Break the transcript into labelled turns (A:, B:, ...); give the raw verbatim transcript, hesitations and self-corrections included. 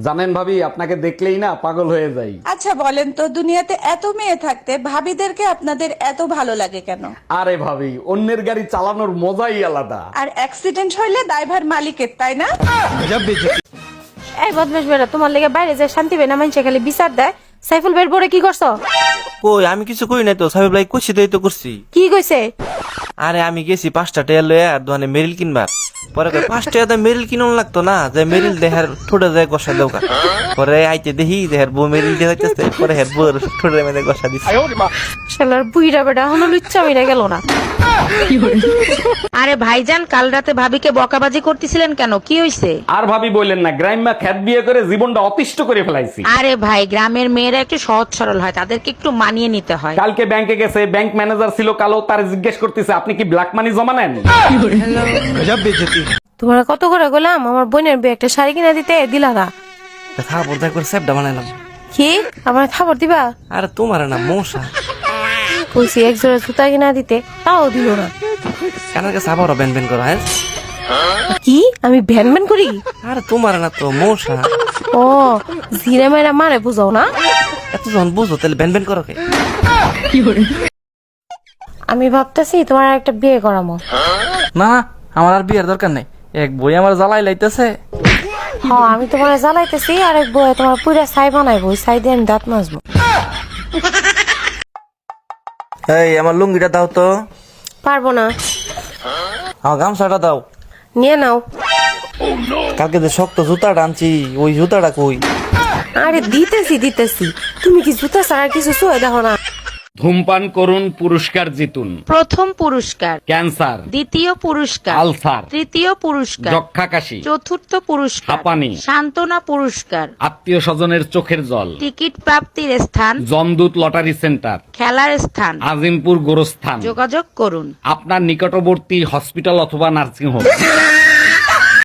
A: জানেন ভাবি, আপনাকে দেখলেই না পাগল হয়ে যাই।
B: আচ্ছা বলেন তো, দুনিয়াতে এত মেয়ে থাকতে ভাবিদেরকে আপনাদের এত ভালো লাগে কেন?
A: আরে ভাবি, অন্যের গাড়ি চালানোর মজাই আলাদা।
B: আর অ্যাক্সিডেন্ট হইলে দায়ভার মালিকের, তাই না?
C: এই বদমাশ বেটা, তোমার লেগে বাইরে যায় শান্তি পাই না, মানুষে খালি বিচার দেয়। সাইফুল বের পরে কি করছো?
D: কই আমি কিছু কই নাই তো, সাহেব লাই কইছি তাই তো করছি।
C: কি কইছে?
D: আরে আমি গেছি পাঁচটা টেয়ার লয়ে আর দোকানে মেরিল কিনবার, পরে কই পাঁচ টাকা মেরিল কিনুন লাগতো না, যে মেরিল দেহার ঠোঁটে যায় গসা দেওকা। পরে আইতে দেখি দেহার বউ মেরিল দিয়ে যাইতেছে, পরে হের বউর ঠোঁটে মেরে গসা দিছে।
C: শালার বুইড়া বেটা এখনো লুচ্চা মিরা গেল না।
E: আরে ভাইজান, কাল রাতে ভাবিকে বকাবাজি করতেছিলেন কেন? কি হইছে?
A: আর ভাবি বললেন না, গ্রাম্যা খ্যাত বিয়ে করে জীবনটা অতিষ্ঠ করে ফেলাইছি।
E: আরে ভাই, গ্রামের মেয়েরা একটু সহজ সরল হয়, তাদেরকে একটু মানিয়ে নিতে হয়।
A: কালকে ব্যাংকে গেছে, ব্যাংক ম্যানেজার ছিল কালো, তার জিজ্ঞেস করতেছে আপনি কি ব্ল্যাক মানি জমা নেন?
C: তোমার কত করে গেলাম আমার বোনের বিয়ে একটা শাড়ি কিনে দিতে, দিলা না।
D: থাপড় দেখ করে স্যাপটা বানাইলাম।
C: কি আমার খাবার দিবা?
D: আরে তোমার না মশা,
C: কইছি এক জোড়া জুতা কিনা দিতে, তাও দিল না।
D: কানের কাছে আবারও ব্যান ব্যান করা। হ্যাঁ
C: কি আমি ভ্যান ভ্যান করি?
D: আরে তোমার না তো মশা।
C: ও জিরে মেরা মারে বুঝাও না।
D: এত যখন বুঝো তাহলে ব্যান ব্যান করো কে?
C: আমি ভাবতেছি তোমার একটা বিয়ে করামো।
F: না আমার আর বিয়ের দরকার নেই, এক বই আমার জ্বালাই লাইতেছে।
C: হ্যাঁ আমি তোমার জ্বালাইতেছি, আর এক বই তোমার পুরা ছাই বানাইবো, ওই ছাই দিয়ে আমি দাঁত মাজবো।
D: এই আমার লুঙ্গিটা দাও তো।
C: পারবো না।
D: আমার গামছাটা দাও।
C: নিয়ে নাও।
D: কালকে যে শক্ত জুতাটা আনছি, ওই জুতাটা কই?
C: আরে দিতেছি দিতেছি, তুমি কি জুতা ছাড়া কিছু চুয়ে দেখো না?
A: ধূমপান করুন, পুরস্কার জিতুন।
E: প্রথম পুরস্কার
A: ক্যান্সার,
E: দ্বিতীয় পুরস্কার
A: আলসার,
E: তৃতীয় পুরস্কার
A: যক্ষা কাশি,
E: চতুর্থ পুরস্কার
A: হাঁপানি,
E: সান্ত্বনা পুরস্কার
A: আত্মীয় স্বজনের চোখের জল,
E: টিকিট প্রাপ্তির স্থান
A: জমদূত লটারি সেন্টার,
E: খেলার স্থান
A: আজিমপুর গোরস্থান।
E: যোগাযোগ করুন।
A: আপনার নিকটবর্তী হসপিটাল অথবা নার্সিং হোম।